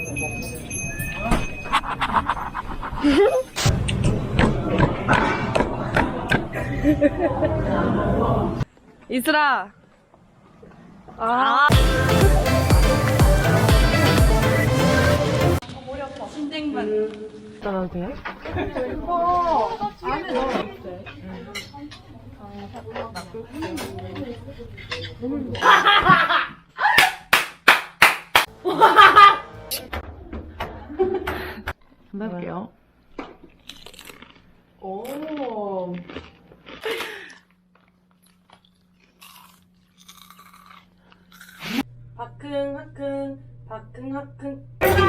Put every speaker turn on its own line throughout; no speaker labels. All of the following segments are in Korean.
이슬아. 아. 머리 아파. 신댕반. 나도 돼요? 안에 넣어도 돼. 할게요. 오. 바킁하킁 바킁하킁.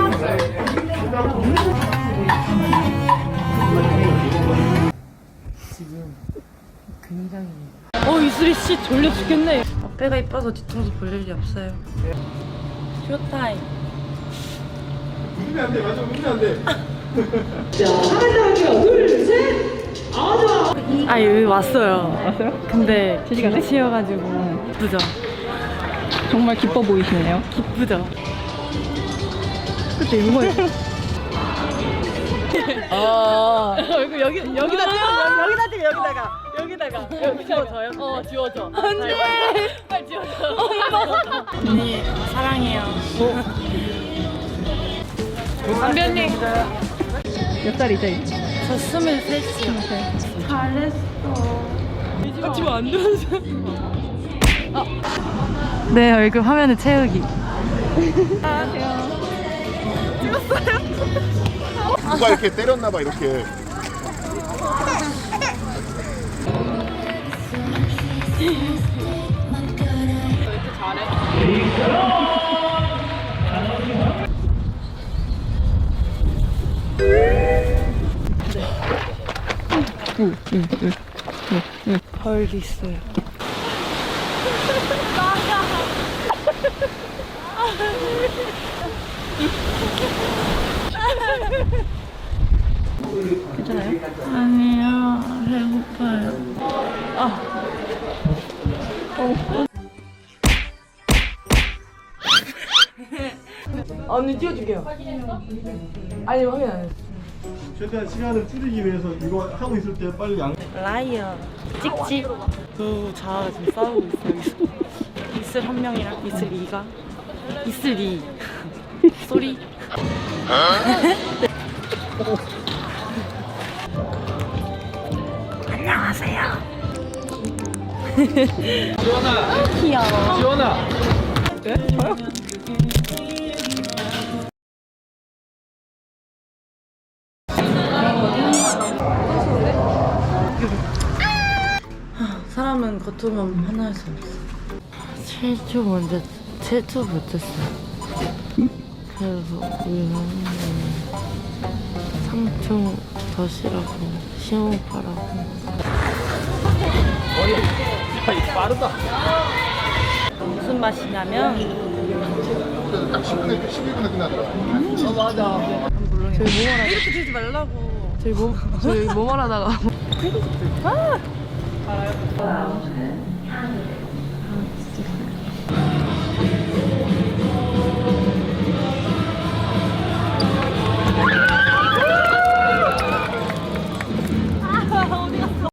지금 굉장히 이슬이 씨 졸려 죽겠네. 앞에가 이뻐서 뒤통수 볼 일이 없어요. 쇼타임.
웃으면 안 돼, 맞아, 웃으면 안 돼.
자, 하나 할게요. 둘, 셋.
아 여기 왔어요. 왔어요? 근데 시간에 치여가지고 기쁘죠.
정말 기뻐 보이시네요.
기쁘죠. 그때 이거 얼굴 여기다 찍어 여기다가 여기 지워줘요. 지워줘. 안돼. 빨리 지워줘. 언니 사랑해요. 안변님.
몇 살이죠?
저 23이요. 잘했어. 지금 안 들어서. 네, 얼굴 화면에 채우기.
누가 이렇게 때렸나봐, 이렇게.
벌이 있어요.
괜찮아요?
아니요, 배고파요. 언니 띄워줄게요. 아니 확인 안 했어.
최대한 시간을 줄이기 위해서 이거 하고 있을 때 빨리
라이어 찍찍. 두 자아가 지금 싸우고 있어요. 이슬 한 명이랑 이슬 2가 이슬 2 소리. 안녕하세요. 귀여워.
지원아!
네? 저요?
사람은 겉으로만 하나일 수 없어. 7초 먼저 7초 못했어요. 그래서 우리는 3초 더 쉬라고 심호흡하라고.
빠르다.
무슨 맛이냐면
딱 10분에, 11분에 끝나더라.
저희 뭐 이렇게 들지 말라고. 저희 뭐 말하다가